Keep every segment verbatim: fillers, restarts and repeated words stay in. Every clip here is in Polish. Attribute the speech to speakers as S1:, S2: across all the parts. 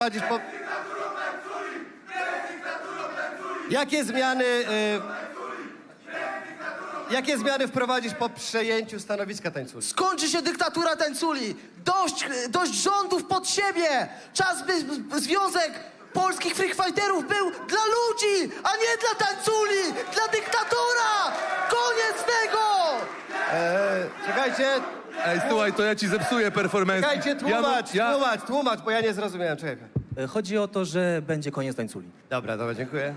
S1: wprowadzić po... Jakie zmiany... Y... Jakie zmiany wprowadzić po przejęciu stanowiska tańculi?
S2: Skończy się dyktatura tańculi! Dość, dość rządów pod siebie! Czas, by by Związek Polskich Freakfighterów był dla ludzi, a nie dla tańculi! Dla dyktatora! Koniec tego!
S1: Eee, czekajcie,
S3: Ej, słuchaj, to ja ci zepsuję performance.
S1: czekajcie, tłumacz,
S3: ja, ja...
S1: tłumacz, tłumacz, bo ja nie zrozumiałem, czekaj.
S4: E, Chodzi o to, że będzie koniec tańculi.
S1: Dobra, dobra, dziękuję.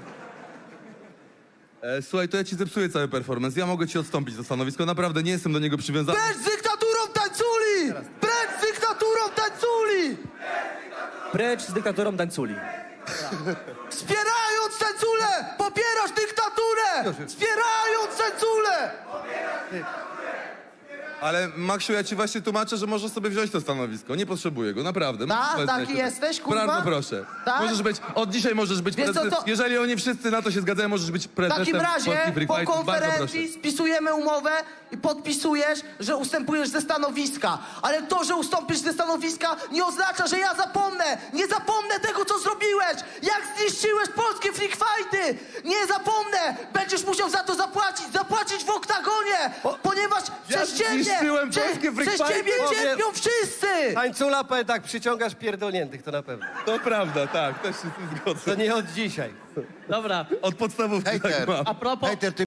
S3: E, słuchaj, to ja ci zepsuję cały performance. Ja mogę ci odstąpić to stanowisko, naprawdę nie jestem do niego przywiązany.
S2: Precz z dyktaturą tańculi! Precz z dyktaturą tańculi!
S4: Precz z dyktatorą tańculi.
S2: Wspierając tańculę! Popierasz dyktaturę! Wspierając tańculę!
S3: Ale Maksiu, ja ci właśnie tłumaczę, że możesz sobie wziąć to stanowisko. Nie potrzebuję go, naprawdę.
S2: Tak?
S3: Możesz
S2: Taki
S3: wezwać to.
S2: jesteś, kurwa?
S3: Bardzo proszę.
S2: Tak?
S3: Możesz być, od dzisiaj możesz być
S2: Wiesz co,
S3: prezydentem.
S2: to-
S3: Jeżeli oni wszyscy na to się zgadzają, możesz być
S2: W
S3: prezydentem
S2: takim razie
S3: Polskich Freak
S2: po
S3: Fightów. Bardzo
S2: konferencji
S3: proszę.
S2: spisujemy umowę i podpisujesz, że ustępujesz ze stanowiska. Ale to, że ustąpisz ze stanowiska, nie oznacza, że ja zapomnę. Nie zapomnę tego, co zrobiłeś. Jak zniszczyłeś polskie freak fighty. Nie zapomnę. Będziesz musiał za to zapłacić. Zapłacić w oktagonie. Ponieważ
S3: Ja
S2: przez ciebie,
S3: zniszczyłem
S2: prze-
S3: polskie freak
S2: przez ciebie
S1: fighty?
S2: cierpią wszyscy.
S1: Tańcula powie tak, przyciągasz pierdolniętych, to na pewno.
S3: To prawda, tak, też się z tym zgodzę.
S1: To nie od dzisiaj.
S5: Dobra,
S3: Od podstawówki tak
S6: Hejter.
S3: mam.
S5: a propos...
S6: Hejter, ty